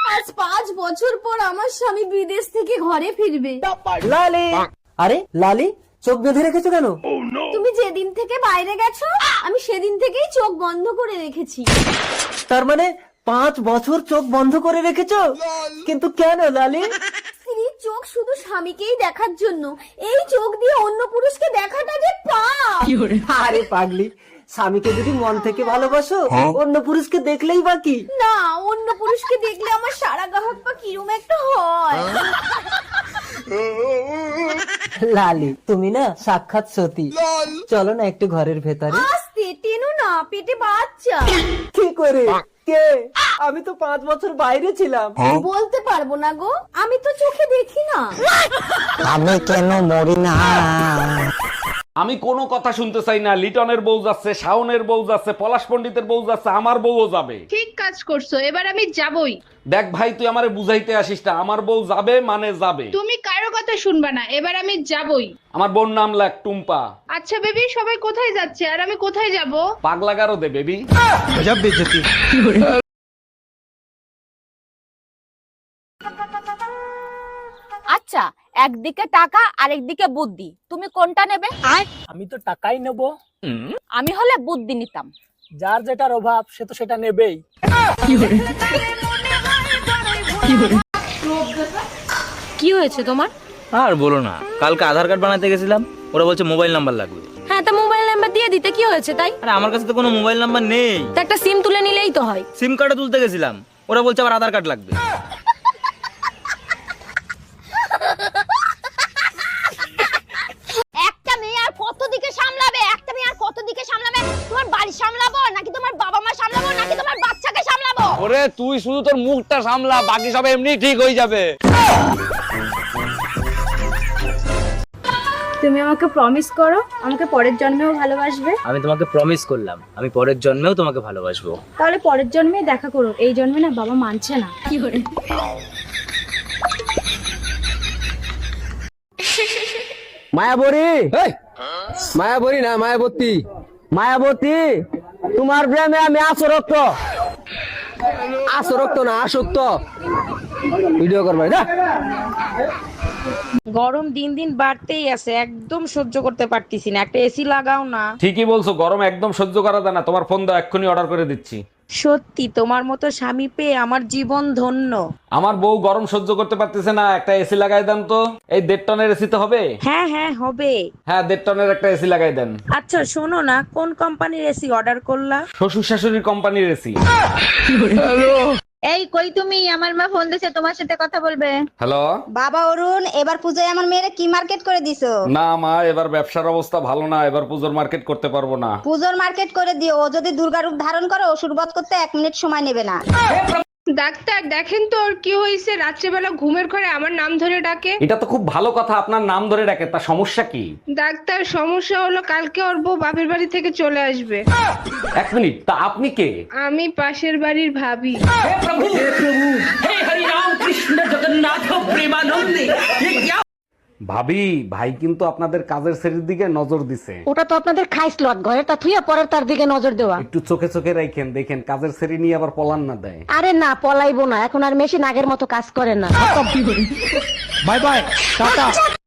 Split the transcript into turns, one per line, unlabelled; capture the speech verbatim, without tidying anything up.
আজ পাঁচ বছর পর আমার স্বামী বিদেশ থেকে ঘরে ফিরবে।
লালি, আরে লালি চোখ বেঁধে রেখেছো কেন?
তুমি যেদিন থেকে বাইরে গেছো আমি সেদিন থেকেই চোখ বন্ধ করে রেখেছি।
তার মানে পাঁচ বছর চোখ বন্ধ করে রেখেছো? কিন্তু কেন লালি?
স্ত্রীর চোখ শুধু স্বামীকেই দেখার জন্য, এই চোখ দিয়ে অন্য পুরুষকে দেখাটা যে পাপ।
আরে পাগলি, স্বামীকে যদি মন থেকে ভালোবাসো অন্য পুরুষকে দেখলেই বাকি।
না, অন্য পুরুষকে দেখলে আমার সারা গাহক পা কিরম একটা হয়।
লালি তুমি না সাক্ষাৎ সতী। চলো না একটু ঘরের ভেতরে।
আস্তে টেনো না, পেটে বাচ্চা।
কি করে? কে? আমি তো পাঁচ বছর বাইরে ছিলাম।
বলতে পারবো না গো, আমি তো চোখে দেখি না।
আমি কেন মরি না?
আমি কোনো কথা শুনতে চাই না। লিটনের বউ যাচ্ছে, শাওনের বউ যাচ্ছে, পলাশ পণ্ডিতের বউ যাচ্ছে, আমার বউও যাবে।
ঠিক কাজ করছো, এবার আমি যাবই।
দেখ ভাই, তুই আমারে বুঝাইতে আসিস না, আমার বউ যাবে মানে যাবে।
তুমি কারো কথা শুনবা না, এবার আমি যাবই।
আমার বোন নাম লাগ টুম্পা।
আচ্ছা বেবি, সবাই কোথায় যাচ্ছে আর আমি কোথায় যাব?
পাগলা গারো দে বেবি।
আচ্ছা, একদিকে টাকা আর একদিকে বুদ্ধি, তুমি কোনটা নেবে?
আমি তো টাকাই নেব।
আমি হলে বুদ্ধি নিতাম।
যার যেটার অভাব সে তো সেটা নেবেই।
কি হয়েছে তোমার?
আর বলো না, কালকে আধার কার্ড বানাতে গেছিলাম, ওরা বলছে মোবাইল নাম্বার লাগবে।
হ্যাঁ, তা মোবাইল নাম্বার দিয়ে দিতে কি হয়েছে তাই?
আরে আমার কাছে তো কোনো মোবাইল নাম্বার নেই।
তা একটা সিম তুলে নিলেই তো হয়।
সিম কার্ডও তুলতে গেছিলাম, ওরা বলছে আবার আধার কার্ড লাগবে।
একটা মেয়ে আর কত দিকে সামলাবে? একটা মেয়ে আর কত দিকে সামলাবে? তোমার বাড়ি সামলাবো নাকি তোমার বাবা মা সামলাবো নাকি তোমার বাচ্চাকে সামলাবো?
ওরে তুই শুধু তোর মুখটা সামলা, বাকি সব এমনি ঠিক হয়ে যাবে।
তুমি আমাকে প্রমিস করো আমাকে পরের জন্মেও ভালোবাসবে।
আমি তোমাকে প্রমিস করলাম, আমি পরের জন্মেও তোমাকে ভালোবাসবো।
তাহলে পরের জন্মে দেখা করো, এই জন্মে না বাবা মানছে না। কি করে?
মায়াবরী, মায়াবরী না মায়াবতী। মায়াবতী, তোমার প্রেমে আমি আসরক্ত। আসরক্ত না আসক্ত। ভিডিও করবে না।
গরম দিন দিন বাড়তেই আছে, একদম সহ্য করতে পারতেছি না। একটা এসি লাগাও না।
ঠিকই বলছো, গরম একদম সহ্য করা যায় না। তোমার ফোন দাও, এক্ষুনি অর্ডার করে দিচ্ছি।
সত্যি তোমার মতো স্বামী পেয়ে আমার জীবন ধন্য।
আমার বউ গরম সহ্য করতে পারতেছে না, একটা এসি লাগাই দেন তো। এই দেড় টনের এসি তো হবে?
হ্যাঁ হ্যাঁ হবে।
হ্যাঁ, দেড় টনের একটা এসি লাগাই দেন।
আচ্ছা শোনো না, কোন কোম্পানির এসি অর্ডার করলা?
শ্বশুর শাশুড়ির কোম্পানির এসি।
এই কই তুমি? আমার মা ফোন দিছে, তোমার সাথে কথা বলবে।
হ্যালো
বাবা অরুণ, এবার পূজায় আমার মেয়েরা কি মার্কেট করে দিছো?
না মা, এবার ব্যবসার অবস্থা ভালো না, এবার পুজোর মার্কেট করতে পারবো না।
পূজোর মার্কেট করে দিও, ও যদি দুর্গা রূপ ধারণ করে অসুর বধ করতে এক মিনিট সময় নেবে না।
ডাক্তার দেখেন তো ওর কি হয়েছে, রাত্রেবেলা ঘুমের ঘরে আমার নাম ধরে ডাকে।
এটা তো খুব ভালো কথা, আপনার নাম ধরে ডাকে, তা সমস্যা কি?
ডাক্তার সমস্যা হলো কালকে ওর বউ বাপের বাড়ি থেকে চলে আসবে।
এক মিনিট, তা আপনি কে?
আমি পাশের বাড়ির ভাবি।
ভাবি, ভাই কিন্তু আপনাদের কাজের শ্রেণীর দিকে নজর দিছে।
ওটা তো আপনাদের খাইসলট, ঘরে তা থুইয়া পরের তার দিকে নজর দেওয়া।
একটু চোখে চোখে রাখেন, দেখেন কাজের শ্রেণী নিয়ে আবার পলান না দেয়।
আরে না, পলাইবো না, এখন আর মেশিন আগের মতো কাজ করে না।
Bye bye, tata.